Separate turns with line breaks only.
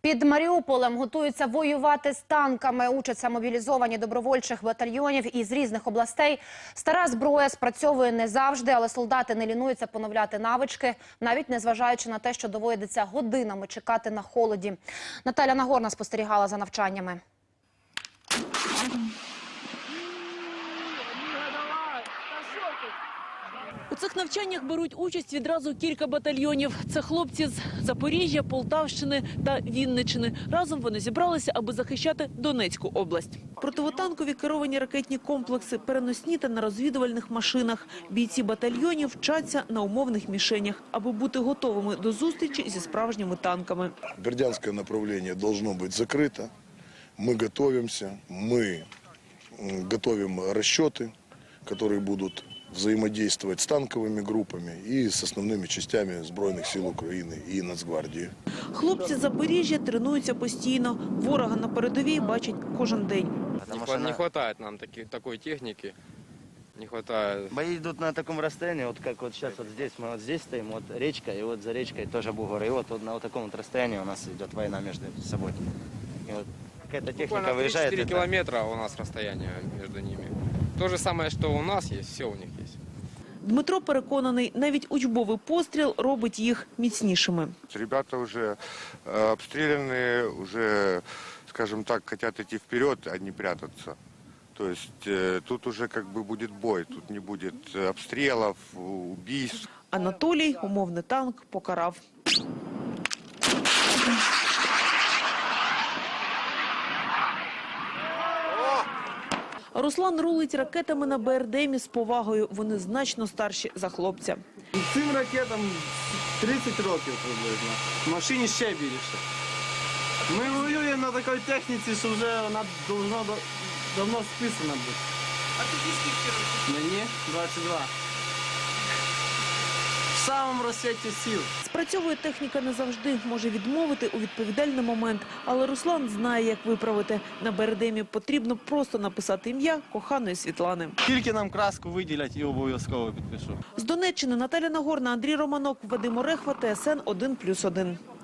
Під Маріуполем готуються воювати з танками. Учаться мобілізовані добровольчих батальйонів із різних областей. Стара зброя спрацьовує не завжди, але солдати не лінуються поновляти навички, навіть незважаючи на те, що доводиться годинами чекати на холоді. Наталя Нагорна спостерігала за навчаннями.
У цих навчаннях беруть участь відразу кілька батальйонів. Це хлопці з Запоріжжя, Полтавщини та Вінниччини. Разом вони зібралися, аби захищати Донецьку область. Противотанкові керовані ракетні комплекси, переносні та на розвідувальних машинах. Бійці батальйонів вчаться на умовних мішенях, аби бути готовими до зустрічі зі справжніми танками.
Бердянское направление должно быть закрыто. Мы готовимся, мы готовим расчеты, которые будут взаимодействовать с танковыми группами и с основными частями Збройних сил України і Нацгвардії.
Хлопці з Запоріжжя тренуються постійно. Ворога на передовій бачать кожен день.
Не хватает нам такой техники. Не хватает.
Бои идут на таком расстоянии, вот как вот сейчас вот здесь, мы вот здесь стоим, вот речка, и вот за речкой тоже бугор. И вот на вот таком вот расстоянии у нас идет война между собой. И вот какая-то техника выезжает.
4 километра у нас расстояние между ними. То же самое, что у нас есть, все у них есть.
Дмитро переконаний, навіть учбовий постріл робить їх міцнішими.
Ребята уже обстреляны, уже, скажем так, хотят идти вперед, а не прятаться. То есть тут уже как бы будет бой, тут не будет обстрелов, убийств.
Анатолій умовний танк покарав. Руслан рулить ракетами на БРДМі з повагою. Вони значно старші за хлопця.
Цим ракетам 30 років приблизно. В машині ще більше. Ми воюємо на такій техніці, що вже вона давно списана бути. А тобі скільки років? Мені 22. В самому розсвіті сил.
Спрацьовує техніка не завжди, може відмовити у відповідальний момент. Але Руслан знає, як виправити. На БРДМі потрібно просто написати ім'я коханої Світлани.
Тільки нам краску виділять і обов'язково підпишу.
З Донеччини Наталя Нагорна, Андрій Романок, Вадим Орехва, ТСН 1+1.